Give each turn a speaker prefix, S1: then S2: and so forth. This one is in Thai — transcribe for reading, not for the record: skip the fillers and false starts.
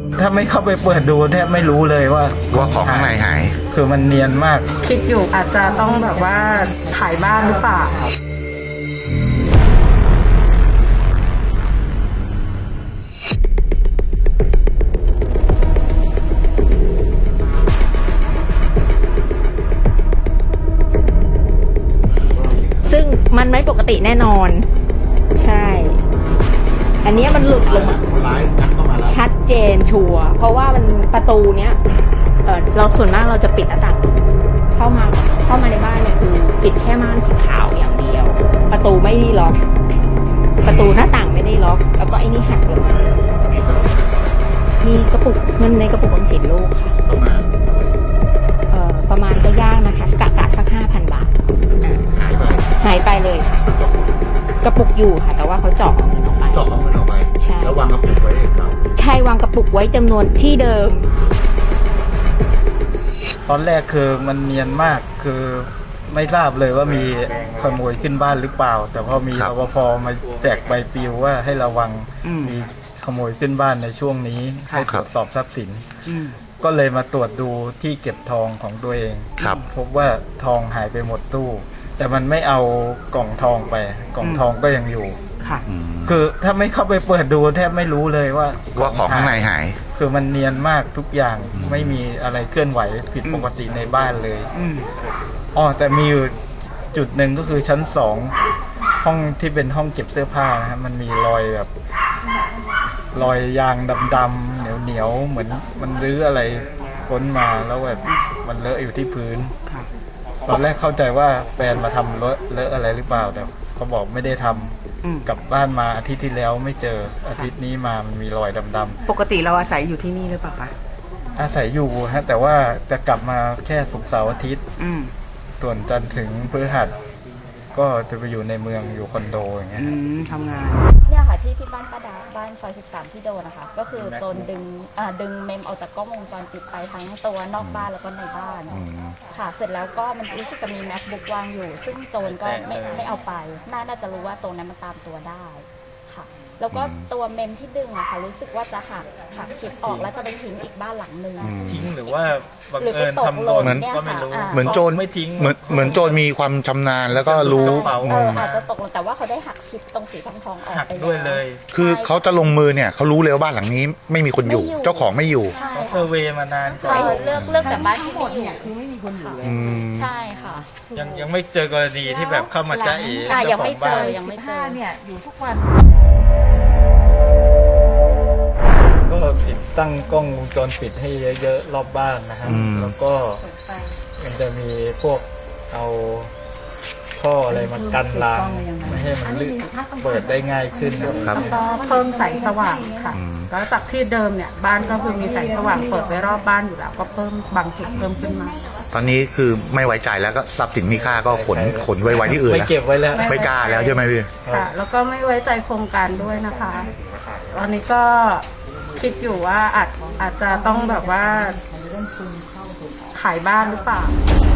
S1: ถ้าไม่เข้าไปเปิดดูแทบไม่รู้เลยว่า
S2: ของข้างในหาย
S1: คือมันเนียนมาก
S3: คิดอยู่อาจจะต้องแบบว่าขายบ้านหรือเปล่า
S4: ซึ่งมันไม่ปกติแน่นอนใช่อันนี้มันหลุดลงมาชัดเจนชัวร์เพราะว่ามันประตูเนี้ยเราส่วนมากเราจะปิดหน้าต่างเข้ามาในบ้านเนี่ยคือปิดแค่ม่านสีขาวอย่างเดียวประตูไม่ได้ล็อกประตูหน้าต่างไม่ได้ล็อกแล้วก็ไอ้นี่หักลงมีกระปุกเงินในกระปุกออมสินลูกค่ะประมาณก็ยากนะคะกะสัก 5,000 บาทหายไปเลยกระปุกอยู่ค่ะแต่ว่าเขาเจาะเอาเงินออกไปใช่
S2: แล้ววางกระปุกไว้เขา
S4: ใช่วางกระปุกไว้จำนวนที่เดิม
S1: ตอนแรกคือมันเนียนมากคือไม่ทราบเลยว่ามีขโมยขึ้นบ้านหรือเปล่าแต่พอมีรปภมาแจกใบปลิวว่าให้ระวังมีขโมยขึ้นบ้านในช่วงนี้ให้ตรวจสอบทรัพย์สินก็เลยมาตรวจดูที่เก็บทองของตัวเองพบว่าทองหายไปหมดตู้แต่มันไม่เอากล่องทองไปกล่องทองก็ยังอยู่คือถ้าไม่เข้าไปเปิดดูแทบไม่รู้เลยว่า
S2: ของข้างในหาย
S1: คือมันเนียนมากทุกอย่างไม่มีอะไรเคลื่อนไหวผิดปกติในบ้านเลยแต่มีอยู่จุดหนึ่งก็คือชั้น2ห้องที่เป็นห้องเก็บเสื้อผ้านะครับมันมีรอยแบบรอยยางดำๆเหนียวเหมือนมันรื้ออะไรค้นมาแล้วแบบมันเลอะอยู่ที่พื้นตอนแรกเข้าใจว่าแฟนมาทำเลอะอะไรหรือเปล่าแต่เขาบอกไม่ได้ทำกลับบ้านมาอาทิตย์ที่แล้วไม่เจออาทิตย์นี้มามันมีรอยดำ
S3: ๆปกติเราอาศัยอยู่ที่นี่หรือเปล่าคะ
S1: อาศัยอยู่ฮะแต่ว่าจะกลับมาแค่ศุกร์เสาร์อาทิตย์ส่วนจันทร์ถึงพฤหัสก็จะไปอยู่ในเมืองอยู่คอนโดอย่างเงี้ย
S3: ทำงาน
S5: เนี่ยค่ะที่บ้านป้าดาบ้านซอย13ที่โดนนะคะก็คือโจรดึงเมมออกจากกล้องวงจรปิดไปทั้งตัวนอกบ้านแล้วก็ในบ้านค่ะเสร็จแล้วก็มันรู้สึกจะมี MacBook วางอยู่ซึ่งโจรก็ไม่เอาไปน่าจะรู้ว่าตรงนั้นมันตามตัวได้ค่ะแล้วก็ตัวเมมที่ดึงอะค่ะรู้สึกว่าจะหักชิปออกแล้วจะไปทิ้งอีกบ้านหลังนึง
S1: ทิ้งหรือว่าบังเอิญทำหล่นก็ไม่รู้
S2: เหมือนโจร
S1: ไม่ทิ้ง
S2: เหมือนโจรมีความชำนาญแล้วก็รู้
S5: อาจจะตกลงแต่ว่าเขาได้หักชิปตรงสีทองออกไป
S1: ด้วยเลย
S2: คือเขาจะลงมือเนี่ยเขารู้เลยว่าบ้านหลังนี้ไม่มีคนอยู่เจ้าของไม่อยู่
S1: เขาเซอร์เวย์มานานก่อน
S5: เลือกแต่บ้านที่หมดเนี่ยคือไม่มีคนอยู่ใช่ค่ะ
S1: ยังไม่เจอกรณีที่แบบเข้ามาจ้าเอ๋
S5: ยังไม่เจอ
S3: เนี่ยอยู่ทุกวัน
S1: ก็ติดตั้งกล้องวงจรปิดให้เยอะๆรอบบ้านนะฮะแล้วก็มันจะมีพวกเอาท่ออะไรมากันรางไม่ให้มันเปิดได้ง่ายขึ้น
S2: ครับ
S3: ก็เพิ่มแสงสว่างค่ะแล้วจากที่เดิมเนี่ยบ้านก็คือมีแสงสว่างเปิดไว้รอบบ้านอยู่แล้วก็เพิ่มบางจุดเพิ่มขึ้นมา
S2: ตอนนี้คือไม่ไว้ใจแล้วก็ทรัพย์สินมีค่าก็ขนไว้ที่อื่น
S1: ไม่เก็บไว้แล้ว
S2: ไม่กล้าแล้วใช่ไหมพี่
S3: ค่ะแล้วก็ไม่ไว้ใจโครงการด้วยนะคะตอนนี้ก็คิดอยู่ว่าอาจจะต้องแบบว่าขายบ้านหรือเปล่า